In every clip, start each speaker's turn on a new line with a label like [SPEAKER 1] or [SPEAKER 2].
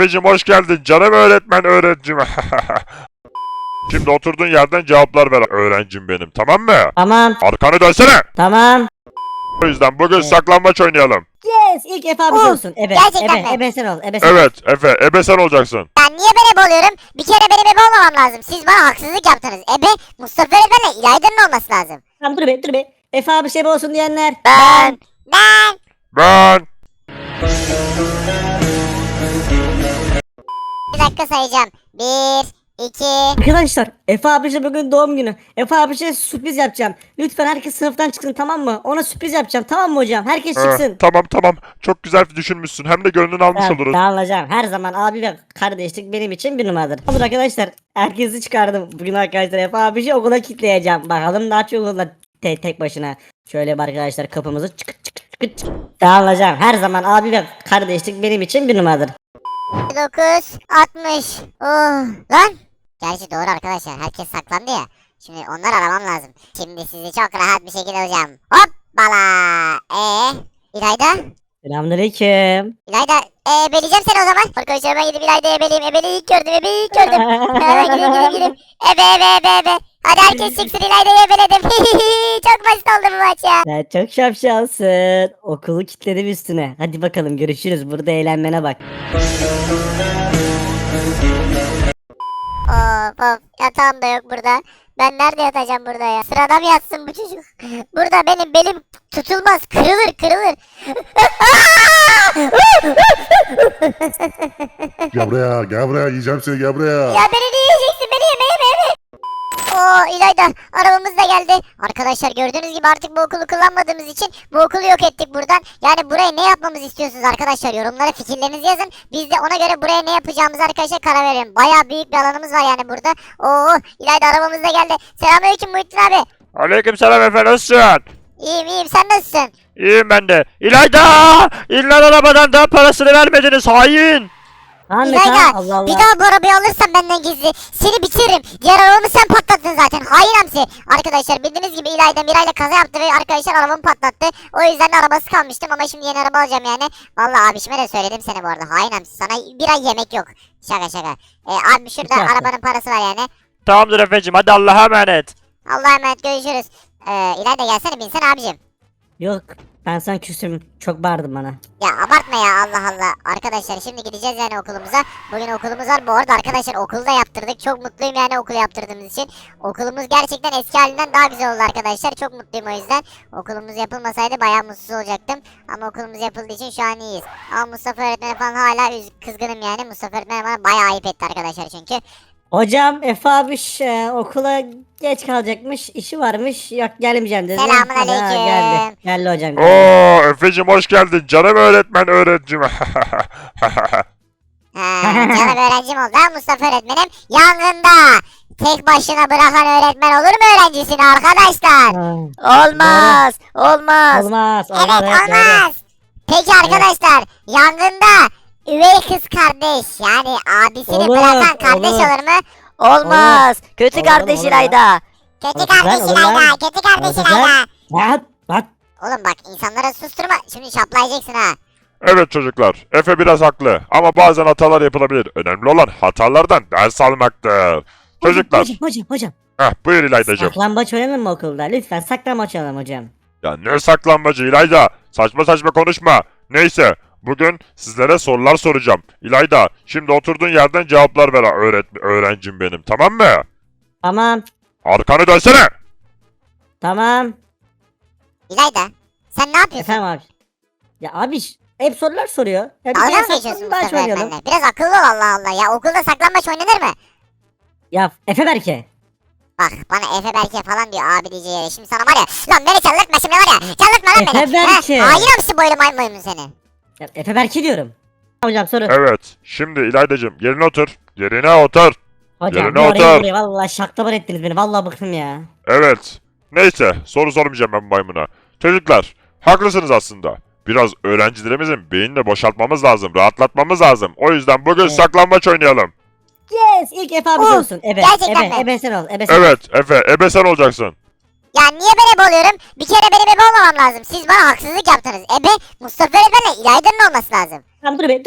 [SPEAKER 1] Efeciğim hoş geldin canım öğrencim. Şimdi oturduğun yerden cevaplar ver öğrencim benim, tamam mı?
[SPEAKER 2] Tamam.
[SPEAKER 1] Arkanı dönsene.
[SPEAKER 2] Tamam.
[SPEAKER 1] O yüzden bugün
[SPEAKER 2] Evet.
[SPEAKER 1] saklambaç oynayalım.
[SPEAKER 2] Yes. İlk Efe abi olsun. Ebe.
[SPEAKER 3] Gerçekten mi?
[SPEAKER 2] Ebe sen ol. Ebe sen ol.
[SPEAKER 1] Evet Efe, ebe sen olacaksın.
[SPEAKER 3] Ben niye ben ebe oluyorum? Bir kere benim ebe olmamam lazım. Siz bana haksızlık yaptınız. Ebe Mustafa öğretmenle İlayda'nın olması lazım.
[SPEAKER 2] Tamam dur be. Efe abi ebe olsun diyenler.
[SPEAKER 3] Ben.
[SPEAKER 1] Ben.
[SPEAKER 3] Bir dakika sayacağım. 1, 2.
[SPEAKER 2] Arkadaşlar Efe abi bugün doğum günü. Efe abi sürpriz yapacağım. Lütfen herkes sınıftan çıksın, tamam mı? Ona sürpriz yapacağım, tamam mı hocam? Herkes çıksın.
[SPEAKER 1] Tamam. Çok güzel düşünmüşsün. Hem de gönlünü almış oluruz.
[SPEAKER 2] Tamam hocam. Her zaman abi ve kardeşlik benim için bir numaradır. Olur arkadaşlar. Herkesi çıkardım. Bugün arkadaşlar Efe abi okula kilitleyeceğim. Bakalım daha çok okulda tek başına. Şöyle bir arkadaşlar kapımızı çıkıt. Tamam hocam. Her zaman abi ve kardeşlik benim için bir numaradır.
[SPEAKER 3] 9, 60. Oh. Lan. Gerçi doğru arkadaşlar. Herkes saklandı ya. Şimdi onları aramam lazım. Şimdi sizi çok rahat bir şekilde alacağım. Hoppala. İlayda?
[SPEAKER 2] Selamünaleyküm.
[SPEAKER 3] İlayda ebeleyeceğim seni o zaman. Arkadaşlar ben gidip İlayda'yı ebeleyeyim. Ebeleyi ilk gördüm. Hemen gideyim. Ebe. Hadi herkes çıksın, İlayda'yı ebeledim. Çok basit oldu bu maç ya.
[SPEAKER 2] Sen çok şapşalsın. Okulu kilitledim üstüne. Hadi bakalım görüşürüz. Burada eğlenmene bak.
[SPEAKER 3] Of yatağım da yok burada. Ben nerede yatacağım burada ya? Sırada mı yatsın bu çocuk? Burada benim belim tutulmaz. Kırılır.
[SPEAKER 4] Gel buraya yiyeceğim seni, gel buraya.
[SPEAKER 3] Ya beni ne yiyeceksin? Beni yeme. Oo İlayda, arabamız da geldi. Arkadaşlar gördüğünüz gibi artık bu okulu kullanmadığımız için bu okulu yok ettik buradan. Yani buraya ne yapmamızı istiyorsunuz arkadaşlar? Yorumlara fikirlerinizi yazın. Biz de ona göre buraya ne yapacağımızı arkadaşlar karar verelim. Bayağı büyük bir alanımız var yani burada. Oo İlayda, arabamız da geldi. Selamünaleyküm Muhittin abi.
[SPEAKER 1] Aleykümselam Efe, nasılsın?
[SPEAKER 3] İyiyim sen nasılsın?
[SPEAKER 1] İyiyim ben de. İlayda! İn lan arabadan, daha parasını vermediniz hain.
[SPEAKER 2] Ahmet
[SPEAKER 3] İlayda,
[SPEAKER 2] ha, Allah Allah.
[SPEAKER 3] bir daha bu arabayı alırsan benden gizli seni bitiririm. Diğer arabamı sen patlattın zaten. Hain hamsi. Arkadaşlar bildiğiniz gibi İlayda Miray'la kaza yaptı ve arkadaşlar arabamı patlattı. O yüzden de arabası kalmıştım ama şimdi yeni araba alacağım yani. Vallahi abişime de söyledim seni bu arada. Hain hamsi, sana bir ay yemek yok. Şaka. Abi şurada
[SPEAKER 2] Şaka.
[SPEAKER 3] arabanın parası var yani.
[SPEAKER 1] Tamamdır Efeciğim, hadi Allah'a emanet.
[SPEAKER 3] Allah'a emanet, görüşürüz. İlayda gelsene, binsene abicim.
[SPEAKER 2] Yok. Ben sana küsüm. Çok bağırdın bana.
[SPEAKER 3] Ya abartma ya, Allah. Arkadaşlar şimdi gideceğiz yani okulumuza. Bugün okulumuz var. Bu arada arkadaşlar okulu da yaptırdık. Çok mutluyum yani okulu yaptırdığımız için. Okulumuz gerçekten eski halinden daha güzel oldu arkadaşlar. Çok mutluyum o yüzden. Okulumuz yapılmasaydı bayağı mutsuz olacaktım. Ama okulumuz yapıldığı için şu an iyiyiz. Ama Mustafa öğretmene falan hala kızgınım yani. Mustafa öğretmen bana bayağı ayıp etti arkadaşlar çünkü.
[SPEAKER 2] Hocam Efe abi okula geç kalacakmış. İşi varmış. Yok gelmeyeceğim dedi.
[SPEAKER 3] Selamünaleyküm.
[SPEAKER 2] Ha, geldi hocam.
[SPEAKER 1] Oo Efeciğim hoş geldin canım öğrencim.
[SPEAKER 3] Canım öğrencim oldu ha Mustafa öğretmenim. Yangında tek başına bırakan öğretmen olur mu öğrencisini arkadaşlar?
[SPEAKER 2] Ha,
[SPEAKER 3] Olmaz.
[SPEAKER 2] olmaz.
[SPEAKER 3] Evet
[SPEAKER 2] doğru.
[SPEAKER 3] olmaz. Peki arkadaşlar yangında üvey kız kardeş yani abisini
[SPEAKER 2] Olur,
[SPEAKER 3] bırakan kardeş
[SPEAKER 2] olur.
[SPEAKER 3] olur mu?
[SPEAKER 5] Olmaz. Kötü
[SPEAKER 2] Olur,
[SPEAKER 5] kardeş
[SPEAKER 2] olur
[SPEAKER 5] İlayda.
[SPEAKER 3] Kötü
[SPEAKER 2] Olur,
[SPEAKER 3] kardeş
[SPEAKER 2] olur lan.
[SPEAKER 3] İlayda. Kötü kardeş
[SPEAKER 2] Olur,
[SPEAKER 3] İlayda.
[SPEAKER 2] Bak.
[SPEAKER 3] Oğlum bak, insanlara susturma. Şimdi şaplayacaksın ha.
[SPEAKER 1] Evet çocuklar, Efe biraz haklı ama bazen hatalar yapılabilir. Önemli olan hatalardan ders almaktır. Çocuklar,
[SPEAKER 2] Hocam.
[SPEAKER 1] buyur İlaydacığım.
[SPEAKER 2] Saklambaç oynanır mı okulda? Lütfen saklambaç oynayalım hocam.
[SPEAKER 1] Ya ne saklanmacı İlayda, saçma konuşma. Neyse, bugün sizlere sorular soracağım. İlayda, şimdi oturduğun yerden cevaplar ver öğrencim benim, tamam mı?
[SPEAKER 2] Tamam.
[SPEAKER 1] Arkanı dönsene.
[SPEAKER 2] Tamam.
[SPEAKER 3] İlayda sen ne yapıyorsun?
[SPEAKER 2] Efendim abi. Ya abi hep sorular soruyor. Ya bir
[SPEAKER 3] Dalga
[SPEAKER 2] kere
[SPEAKER 3] mı geçiyorsun
[SPEAKER 2] saklambaç
[SPEAKER 3] Mustafa
[SPEAKER 2] oynayalım.
[SPEAKER 3] öğretmenle? Biraz akıllı ol, Allah. Ya okulda saklambaç oynanır mı?
[SPEAKER 2] Ya Efe Berke.
[SPEAKER 3] Bak bana Efe Berke falan diyor abi diyeceği. Şimdi sana var ya. Lan beni çaldırtma şimdi var ya. Çaldırtma lan beni.
[SPEAKER 2] Efe Berke.
[SPEAKER 3] Hain hamsi boylu maymun seni.
[SPEAKER 2] Ya Efe Berke diyorum. Hocam soru.
[SPEAKER 1] Evet, şimdi İlaydacığım yerine otur. Yerine otur.
[SPEAKER 2] Hocam
[SPEAKER 1] yerine
[SPEAKER 2] bir oraya
[SPEAKER 1] otur.
[SPEAKER 2] buraya valla şaklaban ettiniz beni. Valla bıktım ya.
[SPEAKER 1] Evet. Neyse, soru sormayacağım ben maymuna. Çocuklar, haklısınız aslında. Biraz öğrencilerimizin beynini boşaltmamız lazım, rahatlatmamız lazım. O yüzden bugün
[SPEAKER 2] Evet.
[SPEAKER 1] saklambaç oynayalım.
[SPEAKER 2] Yes ilk Efe abi
[SPEAKER 3] Oh,
[SPEAKER 2] olsun. Ebe.
[SPEAKER 3] gerçekten mi?
[SPEAKER 2] Ebe sen ol. Ebe sen ol.
[SPEAKER 1] Evet, Efe, ebe sen olacaksın.
[SPEAKER 3] Ya niye ben ebe oluyorum? Bir kere benim ebe olmamam lazım. Siz bana haksızlık yaptınız. Ebe Mustafa öğretmenle İlayda'nın olması lazım.
[SPEAKER 2] Tamam dur be.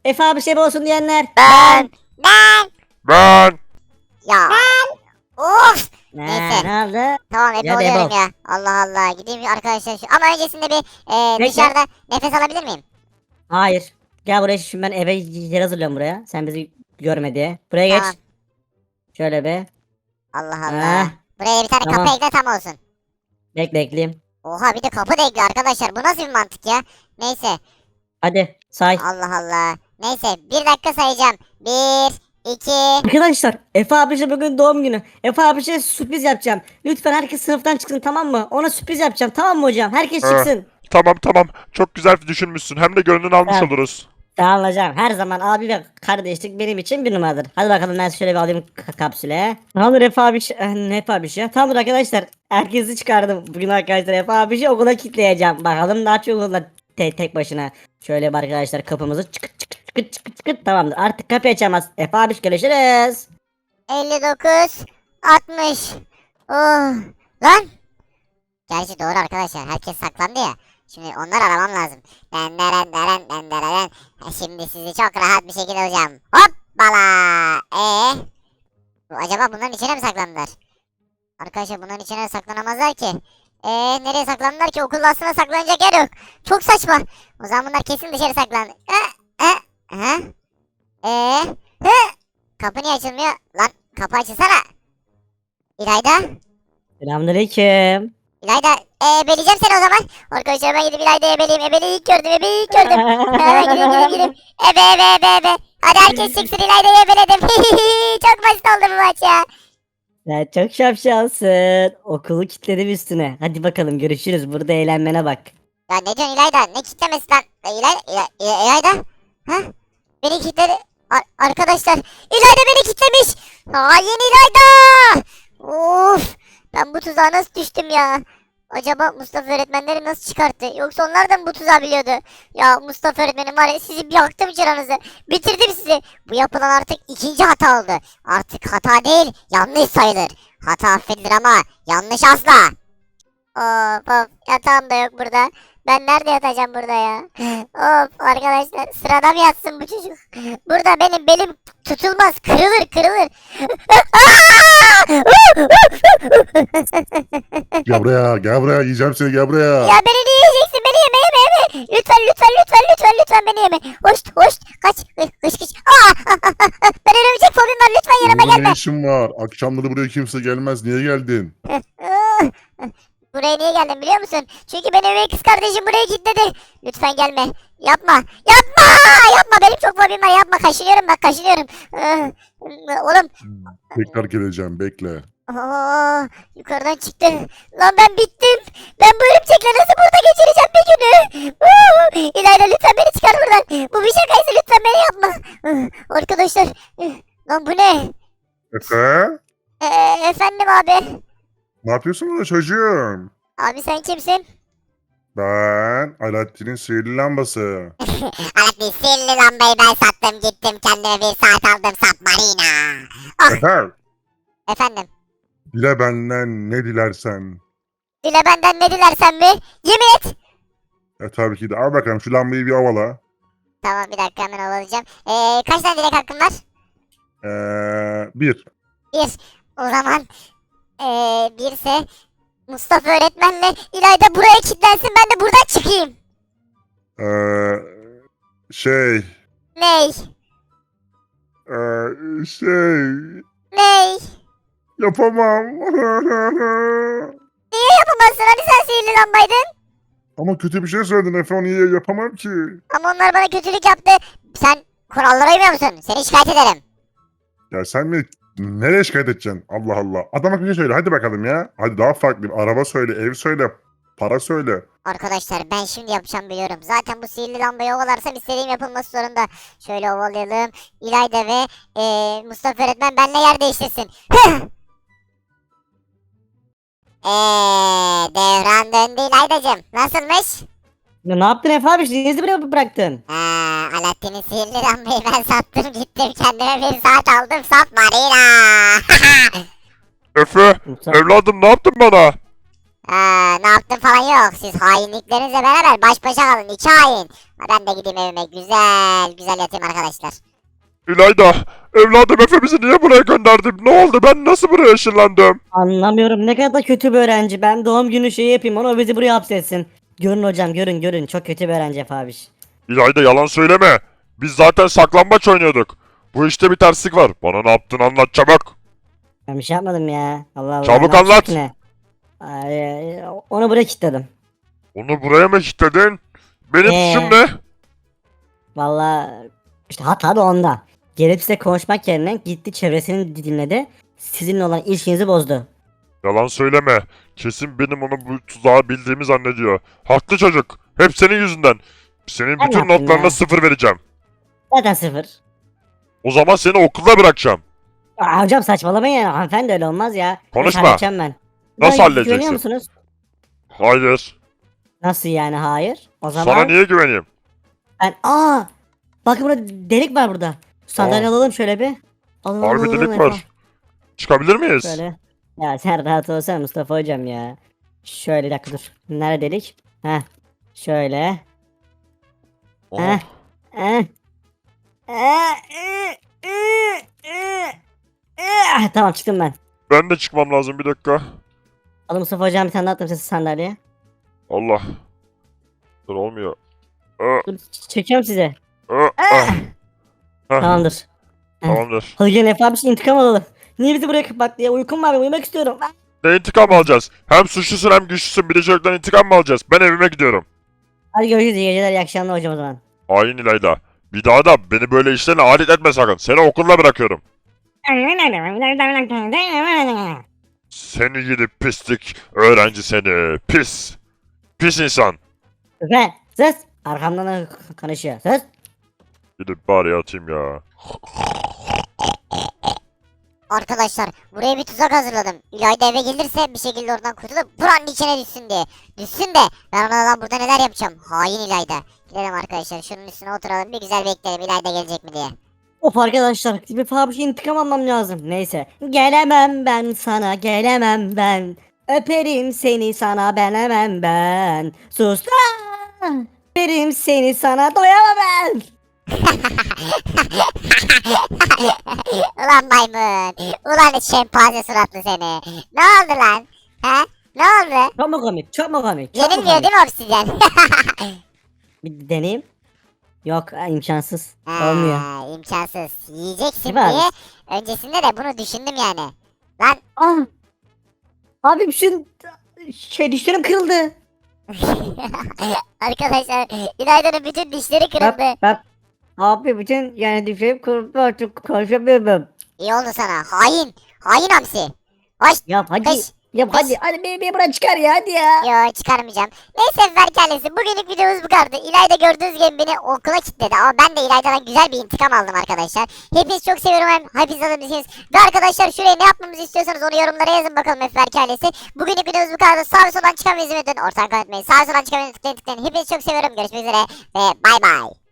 [SPEAKER 2] Efe abi şey olsun diyenler.
[SPEAKER 5] Ben.
[SPEAKER 1] Ben.
[SPEAKER 3] Ya. Of.
[SPEAKER 2] Ne,
[SPEAKER 3] Neyse.
[SPEAKER 2] ne oldu?
[SPEAKER 3] Tamam Ebe
[SPEAKER 2] Ya
[SPEAKER 3] oluyorum
[SPEAKER 2] Bebo.
[SPEAKER 3] ya. Allah Allah. Gideyim arkadaşlar. Ama öncesinde bir
[SPEAKER 2] Bekle.
[SPEAKER 3] dışarıda nefes alabilir miyim?
[SPEAKER 2] Hayır. Gel buraya, şimdi ben eve yer hazırlıyorum buraya. Sen bizi görme diye. Buraya geç.
[SPEAKER 3] Tamam.
[SPEAKER 2] Şöyle be.
[SPEAKER 3] Allah Allah.
[SPEAKER 2] Ah,
[SPEAKER 3] Buraya bir tane
[SPEAKER 2] tamam.
[SPEAKER 3] kapı ekle tam olsun.
[SPEAKER 2] bekleyeyim.
[SPEAKER 3] Oha bir de kapı da ekliyor arkadaşlar. Bu nasıl bir mantık ya? Neyse.
[SPEAKER 2] Hadi say.
[SPEAKER 3] Allah Allah. Neyse bir dakika sayacağım. 1, 2.
[SPEAKER 2] Arkadaşlar Efe abişe bugün doğum günü. Efe abişe sürpriz yapacağım. Lütfen herkes sınıftan çıksın, tamam mı? Ona sürpriz yapacağım, tamam mı hocam? Herkes
[SPEAKER 1] Ha.
[SPEAKER 2] çıksın.
[SPEAKER 1] Tamam. Çok güzel düşünmüşsün. Hem de gönlünü almış
[SPEAKER 2] Evet.
[SPEAKER 1] oluruz.
[SPEAKER 2] Tamam hocam. Her zaman abi ve kardeşlik benim için bir numaradır. Hadi bakalım, ben şöyle bir alayım kapsüle. Tamamdır Efe abiş. Ne Efe abiş ya? Tamamdır arkadaşlar. Herkesi çıkardım. Bugün arkadaşlar Efe abişi okula kilitleyeceğim. Bakalım daha çok okulda tek başına. Şöyle bir arkadaşlar kapımızı çıkıt. Tamamdır. Artık kapıyı açamaz. Efe abiş, görüşürüz.
[SPEAKER 3] 59, 60. Oh. Lan. Gerçi doğru arkadaşlar. Herkes saklandı ya. Şimdi onları aramam lazım. Den. Şimdi sizi çok rahat bir şekilde alacağım. Hoppala. Acaba bunların içine mi saklandılar? Arkadaşlar bunların içine saklanamazlar ki. Nereye saklandılar ki? Okulda aslında saklanacak yer yok. Çok saçma. O zaman bunlar kesin dışarı saklandı. Kapı niye açılmıyor? Lan kapı açılsana. İlayda.
[SPEAKER 2] Selamünaleyküm.
[SPEAKER 3] İlayda ebeleyeceğim seni o zaman. Arkadaşlar ben gidip İlayda'yı ebeleyeyim. Ebeleyi ilk gördüm. Hemen gideyim. Ebe. Hadi herkes çıksın, İlayda'yı ebeledim. Çok basit oldu bu maç ya.
[SPEAKER 2] Sen çok şapşalsın. Okulu kilitledim üstüne. Hadi bakalım, görüşürüz. Burada eğlenmene bak.
[SPEAKER 3] Ya ne diyorsun İlayda? Ne kitlemesi lan? İlayda? Ha? Beni kitledi. Arkadaşlar İlayda beni kitlemiş. Hain İlayda. Of. Ben bu tuzağa nasıl düştüm ya? Acaba Mustafa öğretmenleri nasıl çıkarttı? Yoksa onlar da mı bu tuzağı biliyordu? Ya Mustafa öğretmenim var ya, sizi bir yaktım çıranızı. Bitirdim sizi. Bu yapılan artık ikinci hata oldu. Artık hata değil, yanlış sayılır. Hata affedilir ama yanlış asla. Of yatağım da yok burada. Ben nerede yatacağım burada ya? Of arkadaşlar, sırada mı yatsın bu çocuk? Burada benim belim tutulmaz, kırılır.
[SPEAKER 4] Gel buraya yiyeceğim seni gel buraya.
[SPEAKER 3] Ya beni niye yiyeceksin? Beni yeme. Lütfen beni yeme. Hoş. Kaç. Kış. Ben örümcek fobim var. Lütfen yanıma
[SPEAKER 4] Burada
[SPEAKER 3] gelme.
[SPEAKER 4] ne işin var? Akşamları buraya kimse gelmez. Niye geldin?
[SPEAKER 3] Buraya niye geldim biliyor musun? Çünkü beni üvey kız kardeşim buraya kilitledi. Lütfen gelme. Yapma. Benim çok fobim var. Yapma. Kaşınıyorum. Oğlum.
[SPEAKER 4] Tekrar geleceğim bekle.
[SPEAKER 3] Yukarıdan çıktı. Lan ben bittim. Ben bu örümcekle nasıl burada geçireceğim bir günü? İlayda lütfen beni çıkar buradan. Bu bir şakaysa lütfen beni yapma. Arkadaşlar. Lan bu ne?
[SPEAKER 4] Efe?
[SPEAKER 3] Efendim abi.
[SPEAKER 4] Ne yapıyorsun burada çocuğum?
[SPEAKER 3] Abi sen kimsin?
[SPEAKER 4] Ben Alaaddin'in sihirli lambası.
[SPEAKER 3] Abi sihirli lambayı ben sattım gittim. Kendime bir saat aldım Submarina.
[SPEAKER 4] Efe,
[SPEAKER 3] Efendim.
[SPEAKER 4] dile benden ne dilersen.
[SPEAKER 3] Dile benden ne dilersen mi? Yemin et.
[SPEAKER 4] Tabii ki de. Al bakalım şu lambayı bir avala.
[SPEAKER 3] Tamam bir dakika hemen alacağım. Kaç tane dilek hakkım var?
[SPEAKER 4] Bir.
[SPEAKER 3] Bir. O zaman birse Mustafa öğretmenle İlayda buraya kilitlensin, ben de buradan çıkayım.
[SPEAKER 4] Şey.
[SPEAKER 3] Ney?
[SPEAKER 4] Şey.
[SPEAKER 3] Ney?
[SPEAKER 4] Yapamam.
[SPEAKER 3] Niye yapamazsın? Hani sen sihirli lambaydın?
[SPEAKER 4] Ama kötü bir şey söyledin Efe, onu niye yapamam ki?
[SPEAKER 3] Ama onlar bana kötülük yaptı. Sen kurallara uymuyor musun? Seni şikayet ederim.
[SPEAKER 4] Ya sen mi nereye şikayet edeceksin? Allah Allah. Adama bir şey söyle hadi bakalım ya. Hadi daha farklı bir araba söyle, ev söyle, para söyle.
[SPEAKER 3] Arkadaşlar ben şimdi yapacağım biliyorum. Zaten bu sihirli lambayı ovalarsam istediğim yapılması zorunda. Şöyle ovalayalım. İlayda ve Mustafa öğretmen benimle yer değiştirsin. Devran döndü İlaydacığım. Nasılmış?
[SPEAKER 2] Ya ne yaptın Efe abi? Niye bizi buraya bıraktın?
[SPEAKER 3] Alaaddin'in sihirli lambayı ben sattım gittim. Kendime bir saat aldım. Submarina.
[SPEAKER 1] Efe, evladım ne yaptın bana?
[SPEAKER 3] Ne yaptın falan yok. Siz hainliklerinizle beraber baş başa kalın. 2 hain. Ben de gideyim evime. Güzel güzel yatayım arkadaşlar.
[SPEAKER 1] İlayda, evladım Efe bizi niye buraya gönderdin? Ne oldu? Ben nasıl buraya ışınlandım?
[SPEAKER 2] Anlamıyorum ne kadar kötü bir öğrenci. Ben doğum günü şeyi yapayım onu bizi buraya hapsetsin. Görün hocam görün. Çok kötü bir öğrenci Efe abiş.
[SPEAKER 1] İlayda yalan söyleme. Biz zaten saklambaç oynuyorduk. Bu işte bir terslik var. Bana ne yaptığını anlat çabuk.
[SPEAKER 2] Ben bir şey yapmadım ya. Allah Allah.
[SPEAKER 1] Çabuk
[SPEAKER 2] ne yapacak
[SPEAKER 1] anlat.
[SPEAKER 2] ne? Onu buraya kilitledim.
[SPEAKER 1] Onu buraya mı kilitledin? Benim suçum ne?
[SPEAKER 2] Vallahi işte hata da onda. Gelip size konuşmak yerine gitti çevresini dinledi. Sizinle olan ilişkinizi bozdu.
[SPEAKER 1] Yalan söyleme. Kesin benim onu bu tuzağı bildiğimi zannediyor. Haklı çocuk. Hep senin yüzünden. Senin
[SPEAKER 2] Ben
[SPEAKER 1] bütün
[SPEAKER 2] yaptım
[SPEAKER 1] notlarına
[SPEAKER 2] ya.
[SPEAKER 1] 0 vereceğim.
[SPEAKER 2] Zaten sıfır.
[SPEAKER 1] O zaman seni okulda bırakacağım.
[SPEAKER 2] Hocam saçmalamayın yani hanımefendi öyle olmaz ya.
[SPEAKER 1] Konuşma.
[SPEAKER 2] Evet, halledeceğim ben.
[SPEAKER 1] Nasıl
[SPEAKER 2] Bana
[SPEAKER 1] halledeceksin?
[SPEAKER 2] Güveniyor musunuz?
[SPEAKER 1] Hayır.
[SPEAKER 2] Nasıl yani hayır? O zaman
[SPEAKER 1] Sana niye güveneyim?
[SPEAKER 2] ben bakın burada delik var burada. Sandalye alalım şöyle bir. Alalım,
[SPEAKER 1] Harbi
[SPEAKER 2] alalım,
[SPEAKER 1] delik
[SPEAKER 2] Efe.
[SPEAKER 1] var. Çıkabilir miyiz?
[SPEAKER 2] Şöyle. Ya sen rahat olsana Mustafa hocam ya. Şöyle bir dakika dur. Nerede delik? Heh. Şöyle.
[SPEAKER 1] Oh.
[SPEAKER 2] Heh. Heh. Tamam çıktım ben.
[SPEAKER 1] Ben de çıkmam lazım bir dakika.
[SPEAKER 2] Alın Mustafa hocam bir tane daha attım size sandalyeye.
[SPEAKER 1] Allah. Dur olmuyor. Aa,
[SPEAKER 2] Dur çekiyorum size.
[SPEAKER 1] aa, ah. Heh,
[SPEAKER 2] Tamamdır.
[SPEAKER 1] Tamamdır.
[SPEAKER 2] Hadi gelin Efe abi şimdi intikam alalım. Niye bizi buraya kapattı ya? Uykum var uyumak istiyorum.
[SPEAKER 1] Ne intikam alacağız? Hem suçlusun hem güçlüsün. Bir de çocuktan intikam mı alacağız? Ben evime gidiyorum.
[SPEAKER 2] Hadi görüşürüz iyi geceler iyi akşamlar hocam o zaman.
[SPEAKER 1] Hain İlayda. Bir daha da beni böyle işlerine alet etme sakın. Seni okulda bırakıyorum. Seni gidip pislik öğrenci seni. Pis. Pis insan.
[SPEAKER 2] Efe sus. Arkamdan da konuşuyor. Sus.
[SPEAKER 1] Gidip bari yatayım ya.
[SPEAKER 3] Arkadaşlar buraya bir tuzak hazırladım. İlayda eve gelirse bir şekilde oradan kurtulup buranın içine düşsün diye. Düşsün de ben ona lan burada neler yapacağım. Hain İlayda. Gidelim arkadaşlar şunun üstüne oturalım bir güzel bekleyelim İlayda gelecek mi diye.
[SPEAKER 2] Of arkadaşlar bir fabrika intikam almam lazım. Neyse. Gelemem ben sana gelemem ben. Öperim seni sana benemem ben. Sus lan. Öperim seni sana doyamam ben.
[SPEAKER 3] Ulan maymun. Ulan şempanze suratlı seni. Ne oldu lan? He? Ne oldu?
[SPEAKER 2] Çok mu komik? Çok mu komik? Çok mu
[SPEAKER 3] Yenilmiyor
[SPEAKER 2] komik?
[SPEAKER 3] değil mi obsidyen?
[SPEAKER 2] Bir deneyeyim. Yok imkansız. Olmuyor.
[SPEAKER 3] İmkansız. Yiyeceksin
[SPEAKER 2] Değil mi abi?
[SPEAKER 3] diye. Öncesinde de bunu düşündüm yani. Lan
[SPEAKER 2] Abi şu dişlerim kırıldı.
[SPEAKER 3] arkadaşlar İlayda'nın bütün dişleri kırıldı.
[SPEAKER 2] Bak. Abi bütün yani dişlerim kırıldı artık konuşamıyorum.
[SPEAKER 3] İyi oldu sana. Hain. Hain hamsi. Hoş.
[SPEAKER 2] Yap hadi.
[SPEAKER 3] Kış.
[SPEAKER 2] Yap hadi. Hadi beni buradan çıkar ya hadi ya.
[SPEAKER 3] Yo çıkarmayacağım. Neyse Ferkalesi bugünlük videomuz bu kadardı. İlayda gördüğünüz gibi beni okula kilitledi ama ben de İlayda'dan güzel bir intikam aldım arkadaşlar. Hepinizi çok seviyorum hem hepiniz alabilirsiniz. Ve arkadaşlar şuraya ne yapmamızı istiyorsanız onu yorumlara yazın bakalım Ferkalesi. Bugünlük videomuz bu kadardı. Sağ ve soldan çıkan ve izlemeyi unutmayın. Sağ ve soldan çıkan ve tıklayın tıklayın. Hepinizi çok seviyorum. Görüşmek üzere ve bay bay.